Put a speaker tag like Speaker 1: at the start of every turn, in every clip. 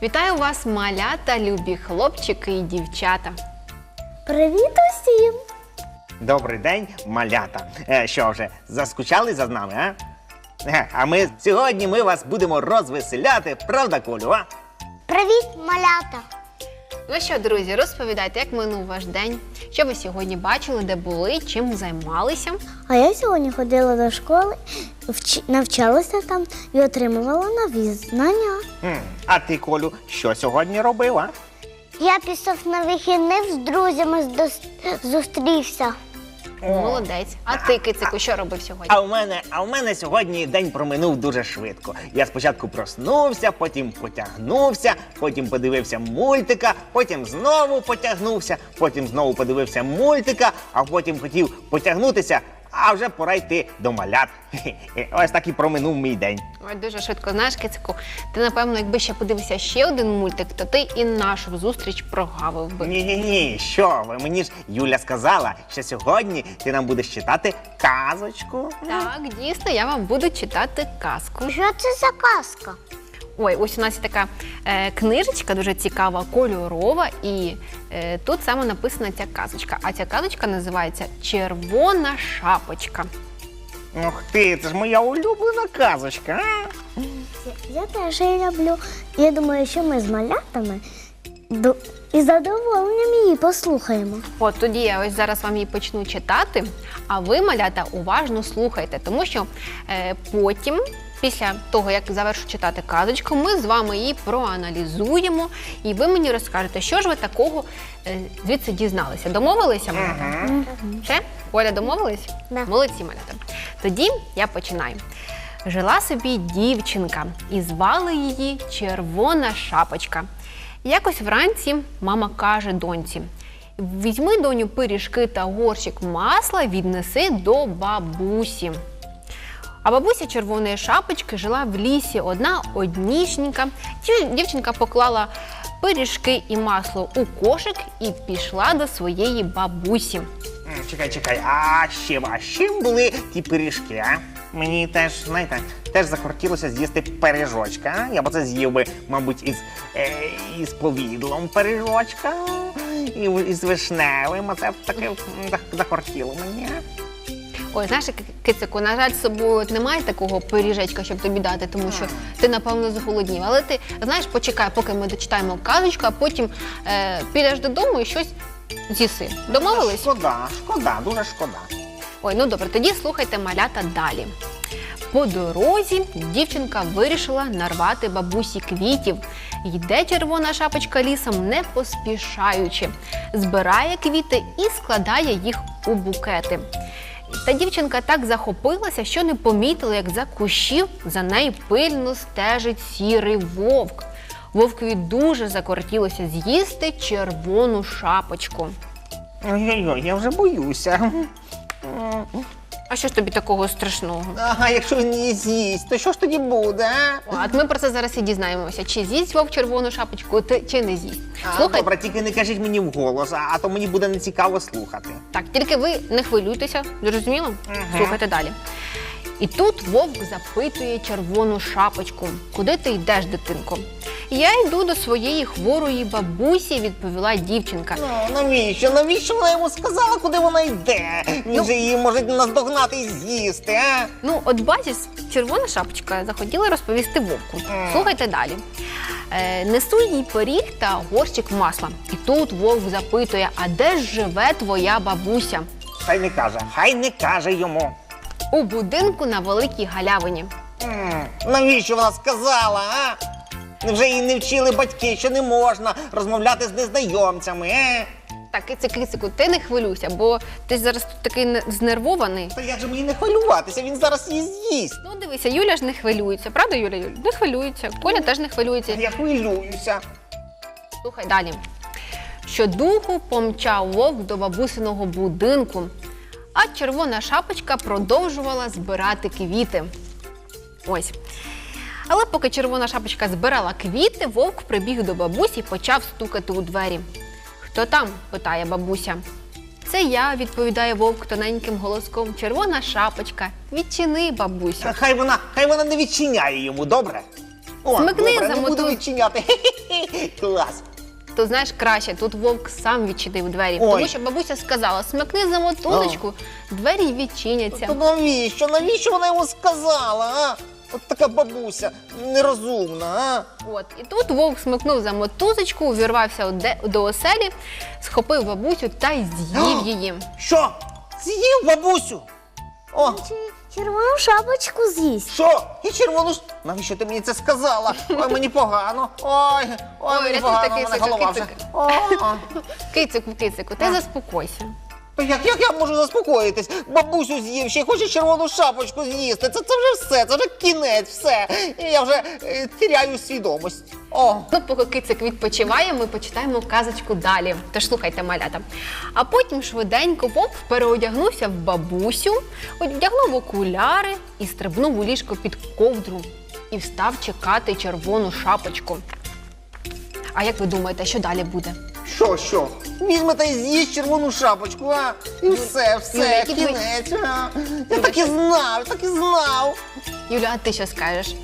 Speaker 1: Вітаю вас, малята, любі хлопчики і дівчата.
Speaker 2: Привіт усім!
Speaker 3: Добрий день, малята. Що вже, заскучали за нами, а? А сьогодні ми вас будемо розвеселяти, правда, Колю, а?
Speaker 2: Привіт, малята!
Speaker 1: Ну що, друзі, розповідайте, як минув ваш день, що ви сьогодні бачили, де були, чим займалися.
Speaker 2: А я сьогодні ходила до школи, навчалася там і отримувала нові знання.
Speaker 3: А ти, Колю, що сьогодні робив, а?
Speaker 2: Я пішов на вихідних з друзями зустрівся.
Speaker 1: Молодець. А ти, Кицику, що робив сьогодні?
Speaker 3: А у мене сьогодні день проминув дуже швидко. Я спочатку проснувся, потім потягнувся, потім подивився мультика, потім знову потягнувся, потім знову подивився мультика, а потім хотів потягнутися, а вже пора йти до малят. Ось так і проминув мій день.
Speaker 1: Ой, дуже швидко. Знаєш, Кицику, ти, напевно, якби ще подивився ще один мультик, то ти і нашу зустріч прогавив би.
Speaker 3: Ні, що ви, мені ж Юля сказала, що сьогодні ти нам будеш читати казочку.
Speaker 1: Так, дійсно, я вам буду читати казку.
Speaker 2: Що це за казка?
Speaker 1: Ой, ось у нас є така книжечка дуже цікава, кольорова, і тут саме написана ця казочка. А ця казочка називається «Червона шапочка».
Speaker 3: Ух ти, це ж моя улюблена казочка, а?
Speaker 2: Я теж її люблю. Я думаю, що ми з малятами із задоволенням її послухаємо.
Speaker 1: От тоді я ось зараз вам її почну читати, а ви, малята, уважно слухайте, тому що потім, після того, як завершу читати казочку, ми з вами її проаналізуємо, і ви мені розкажете, що ж ви такого звідси дізналися. Домовилися, малята? Все? Оля, домовились?
Speaker 2: Да.
Speaker 1: Молодці, малята. Тоді я починаю. Жила собі дівчинка, і звали її Червона шапочка. Якось вранці мама каже доньці: «Візьми, доню, пиріжки та горщик масла, віднеси до бабусі». А бабуся Червоної шапочки жила в лісі однісінька. Дівчинка поклала пиріжки і масло у кошик і пішла до своєї бабусі.
Speaker 3: Чекай, а з чим були ті пиріжки, а? Мені теж, знаєте, захотілося з'їсти пиріжочка. Я б це з'їв би, мабуть, із повідлом пиріжочка, і з вишневим, а це таке захотіло мені.
Speaker 1: Ой, знаєш, Кицику, на жаль, з собою немає такого пиріжечка, щоб тобі дати, тому що ти, напевно, зголоднів. Але ти, знаєш, почекай, поки ми дочитаємо казочку, а потім підеш додому і щось з'їси. Домовились?
Speaker 3: Шкода, дуже шкода.
Speaker 1: Ой, ну добре, тоді слухайте, малята, далі. По дорозі дівчинка вирішила нарвати бабусі квітів. Йде Червона шапочка лісом, не поспішаючи. Збирає квіти і складає їх у букети. Та дівчинка так захопилася, що не помітила, як за кущів за нею пильно стежить сірий вовк. Вовкові дуже закортілося з'їсти червону шапочку.
Speaker 3: Ой-ой-ой, я вже боюся.
Speaker 1: А що ж тобі такого страшного?
Speaker 3: Ага, якщо він її з'їсть, то що ж тоді буде, а?
Speaker 1: От ми про це зараз і дізнаємося, чи з'їсть вовк червону шапочку, чи не з'їсть.
Speaker 3: Добре, тільки не кажіть мені вголос, а то мені буде нецікаво слухати.
Speaker 1: Так, тільки ви не хвилюйтеся, зрозуміло? Слухайте далі. І тут вовк запитує Червону шапочку: «Куди ти йдеш, дитинко?» «Я йду до своєї хворої бабусі», – відповіла дівчинка.
Speaker 3: Навіщо вона йому сказала, куди вона йде? Він же її може наздогнати і з'їсти, а?
Speaker 1: Ну, от бачиш, Червона шапочка захотіла розповісти вовку. Слухайте далі. Несу їй пиріг та горщик масла. І тут вовк запитує: «А де ж живе твоя бабуся?»
Speaker 3: Хай не каже йому.
Speaker 1: «У будинку на великій галявині».
Speaker 3: Навіщо вона сказала, а? Невже її не вчили батьки, що не можна розмовляти з незнайомцями,
Speaker 1: Так, Кицику, ти не хвилюйся, бо ти зараз тут такий знервований.
Speaker 3: Та як же мені не хвилюватися, він зараз її з'їсть.
Speaker 1: Ну, дивися, Юля ж не хвилюється, правда, Юля? Не хвилюється, Коля теж не хвилюється.
Speaker 3: Я хвилююся.
Speaker 1: Слухай далі. Щодуху помчав вовк до бабусиного будинку, а Червона шапочка продовжувала збирати квіти. Ось. Але поки Червона шапочка збирала квіти, вовк прибіг до бабусі і почав стукати у двері. «Хто там?» – питає бабуся. «Це я», – відповідає вовк тоненьким голоском. «Червона шапочка. Відчини, бабусю».
Speaker 3: Хай вона не відчиняє йому, добре? О,
Speaker 1: Смикни
Speaker 3: добре,
Speaker 1: за
Speaker 3: не буду
Speaker 1: мотузку.
Speaker 3: відчиняти. Хе-хе-хе. Клас.
Speaker 1: То знаєш краще, тут вовк сам відчинив двері.
Speaker 3: Ой.
Speaker 1: Тому що бабуся сказала, смикни за мотузочку, двері відчиняться.
Speaker 3: То навіщо? Навіщо вона йому сказала, а? От така бабуся нерозумна, а?
Speaker 1: От, і тут вовк смикнув за мотузочку, увірвався до оселі, схопив бабусю та й з'їв її.
Speaker 3: Що? З'їв бабусю? О,
Speaker 2: Чи червону шапочку з'їсть?
Speaker 3: що? І червону... Навіщо ти мені це сказала? Ой, мені погано. Ой, мені
Speaker 1: рятуйте,
Speaker 3: погано,
Speaker 1: кицик,
Speaker 3: мене голова вже.
Speaker 1: кицик.
Speaker 3: О.
Speaker 1: Кицику, ти заспокойся.
Speaker 3: Як я можу заспокоїтись? Бабусю з'їв, ще й хоче червону шапочку з'їсти. Це вже все, це вже кінець, все. І я вже теряю свідомість. О.
Speaker 1: Ну, поки кицик відпочиває, ми почитаємо казочку далі. Тож слухайте, малята. А потім швиденько вовк переодягнувся в бабусю, одягнув окуляри і стрибнув у ліжко під ковдру. І встав чекати червону шапочку. А як ви думаєте, що далі буде?
Speaker 3: Що? Візьме та й з'їсть червону шапочку, а? І все,
Speaker 1: Юля, які твої-
Speaker 3: кінець. А? Я так і знав.
Speaker 1: Юля, а ти що скажеш?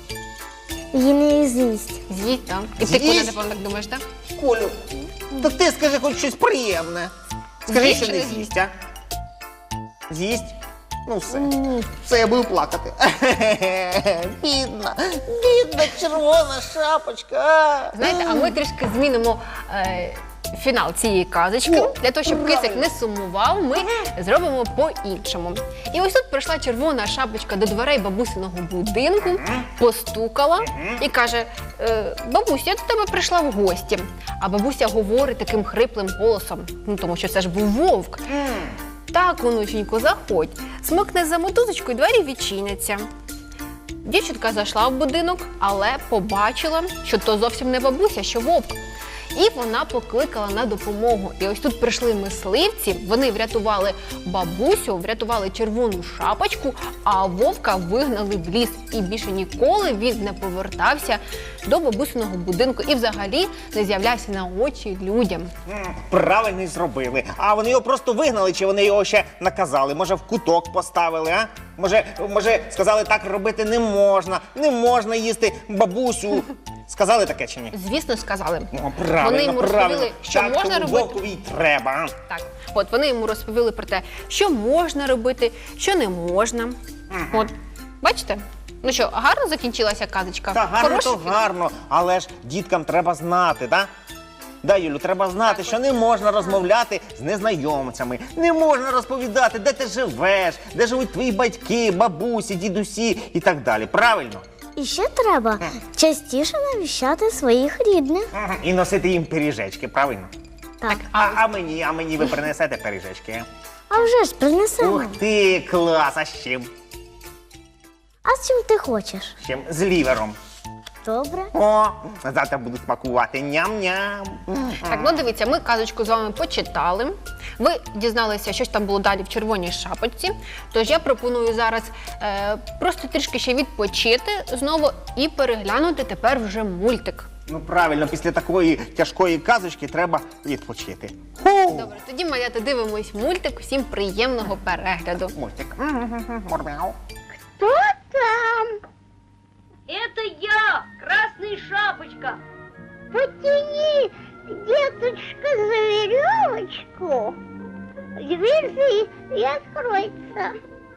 Speaker 2: Її не з'їсть.
Speaker 1: З'їсть, так? І ти,
Speaker 3: З'їсть?
Speaker 1: Коля, напевно, так думаєш, так?
Speaker 3: Колю, та ти скажи хоч щось приємне. Скажи,
Speaker 1: З'їсть
Speaker 3: що
Speaker 1: чи
Speaker 3: не
Speaker 1: не
Speaker 3: з'їсть, а? З'їсть? Ну все.
Speaker 2: Ні.
Speaker 3: Все, я буду плакати. Бідна червона шапочка. а.
Speaker 1: Знаєте, а ми трішки змінимо фінал цієї казочки.
Speaker 3: О,
Speaker 1: Для того, щоб кицик
Speaker 3: правильно.
Speaker 1: не сумував, ми зробимо по-іншому. І ось тут прийшла червона шапочка до дверей бабусиного будинку, постукала і каже: бабусь, я до тебе прийшла в гості. А бабуся говорить таким хриплим голосом, ну тому що це ж був вовк. Так, онученько, заходь. Смикне за мотузочку і двері відчиняться. Дівчинка зайшла в будинок, але побачила, що то зовсім не бабуся, що вовк. І вона покликала на допомогу. І ось тут прийшли мисливці, вони врятували бабусю, врятували червону шапочку, а вовка вигнали в ліс. І більше ніколи він не повертався до бабусиного будинку і взагалі не з'являвся на очі людям.
Speaker 3: Правильно й зробили. А вони його просто вигнали, чи вони його ще наказали? Може, в куток поставили, а? Може, сказали, так робити не можна їсти бабусю. Сказали таке чи ні?
Speaker 1: Звісно, сказали.
Speaker 3: О, правильно,
Speaker 1: Вони йому
Speaker 3: правильно.
Speaker 1: розповіли, що
Speaker 3: Так
Speaker 1: можна
Speaker 3: тому
Speaker 1: робити.
Speaker 3: вовкові й треба. а?
Speaker 1: Так, от вони йому розповіли про те, що можна робити, що не можна. От, бачите? Ну що, гарно закінчилася казочка?
Speaker 3: Та гарно,
Speaker 1: Хороший
Speaker 3: то
Speaker 1: фільм?
Speaker 3: гарно, але ж діткам треба знати, так? Да, Юлю, треба знати, що не можна розмовляти з незнайомцями, не можна розповідати, де ти живеш, де живуть твої батьки, бабусі, дідусі і так далі. Правильно?
Speaker 2: І ще треба частіше навіщати своїх рідних.
Speaker 3: І носити їм пиріжечки, правильно?
Speaker 2: Так.
Speaker 3: А мені ви принесете пиріжечки?
Speaker 2: А вже ж принесемо.
Speaker 3: Ух ти, клас, а з чим?
Speaker 2: А з чим ти хочеш?
Speaker 3: З чим? З лівером.
Speaker 2: Добре.
Speaker 3: О, завтра буду смакувати. Ням-ням.
Speaker 1: Так, ну дивіться, ми казочку з вами почитали. Ви дізналися, що ж там було далі в червоній шапочці. Тож я пропоную зараз просто трішки ще відпочити знову і переглянути тепер вже мультик.
Speaker 3: Ну правильно, після такої тяжкої казочки треба відпочити.
Speaker 1: Добре, тоді, малята, дивимось мультик. Всім приємного перегляду.
Speaker 3: Мультик. Мурмяу.
Speaker 2: Хто там?
Speaker 4: Это я, Красная Шапочка.
Speaker 2: Потяни, деточка, за веревочку. Дверь и откроется.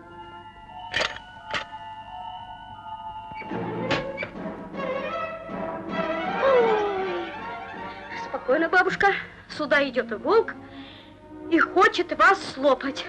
Speaker 4: Спокойно, бабушка. Сюда идет волк и хочет вас слопать.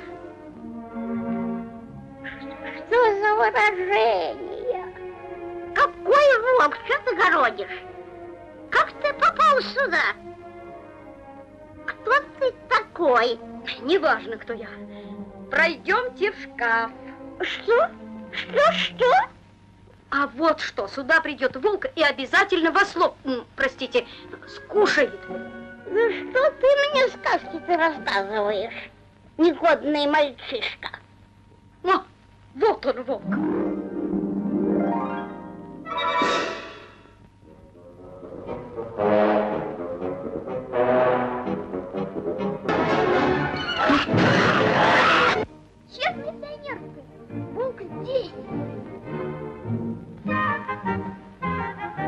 Speaker 2: Что за выражение? Какой волк? Что ты городишь? Как ты попал сюда? Кто ты такой?
Speaker 4: Неважно, кто я. Пройдемте в шкаф.
Speaker 2: Что? Что?
Speaker 4: А вот что, сюда придет волк и обязательно вас простите, скушает.
Speaker 2: Ну что ты мне сказки-то рассказываешь, негодный мальчишка?
Speaker 4: О, вот он, волк.
Speaker 2: Чем ты нервы? Волк здесь.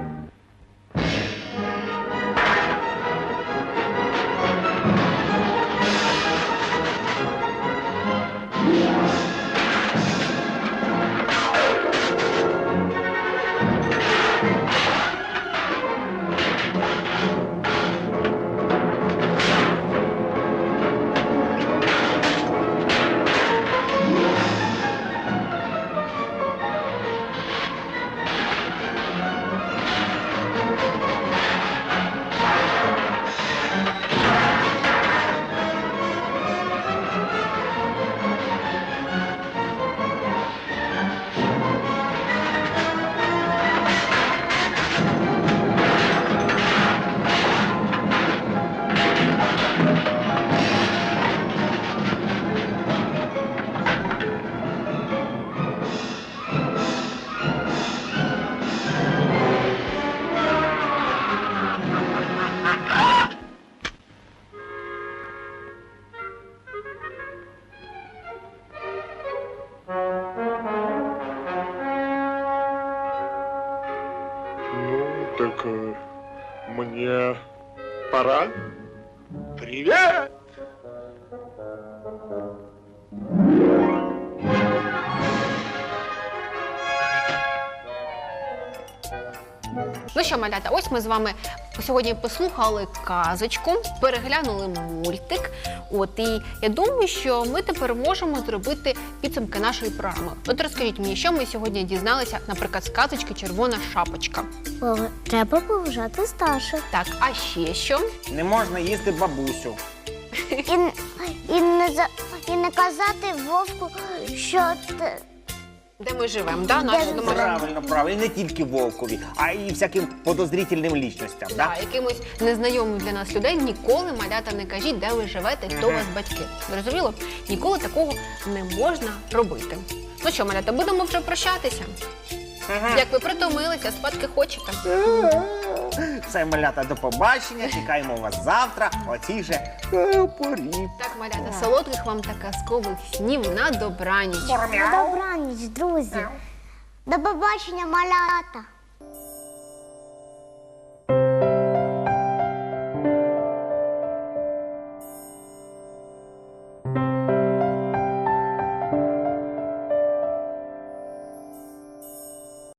Speaker 5: Так мне пора. Привет!
Speaker 1: Ну що, малята, ось ми з вами сьогодні послухали казочку, переглянули мультик. І я думаю, що ми тепер можемо зробити підсумки нашої програми. От розкажіть мені, що ми сьогодні дізналися, наприклад, з казочки «Червона шапочка».
Speaker 2: Треба поважати старших.
Speaker 1: Так, а ще що?
Speaker 3: Не можна їсти бабусю.
Speaker 2: І не казати вовку, що ти...
Speaker 1: Де ми живемо, да? Наші домашні.
Speaker 3: Правильно, правильно. І не тільки вовкові, а й всяким подозрительним лічностям.
Speaker 1: Да, якимось незнайомим для нас людей ніколи, малята, не кажіть, де ви живете, хто у вас батьки. Зрозуміло? Ніколи такого не можна робити. Ну що, малята, будемо вже прощатися? Як ви притомилися, спадки хочете?
Speaker 3: Все, малята, до побачення. Чекаємо вас завтра о цій же порі.
Speaker 1: Так, малята, солодких вам та казкових снів на добраніч.
Speaker 2: На добраніч, друзі. До побачення, малята.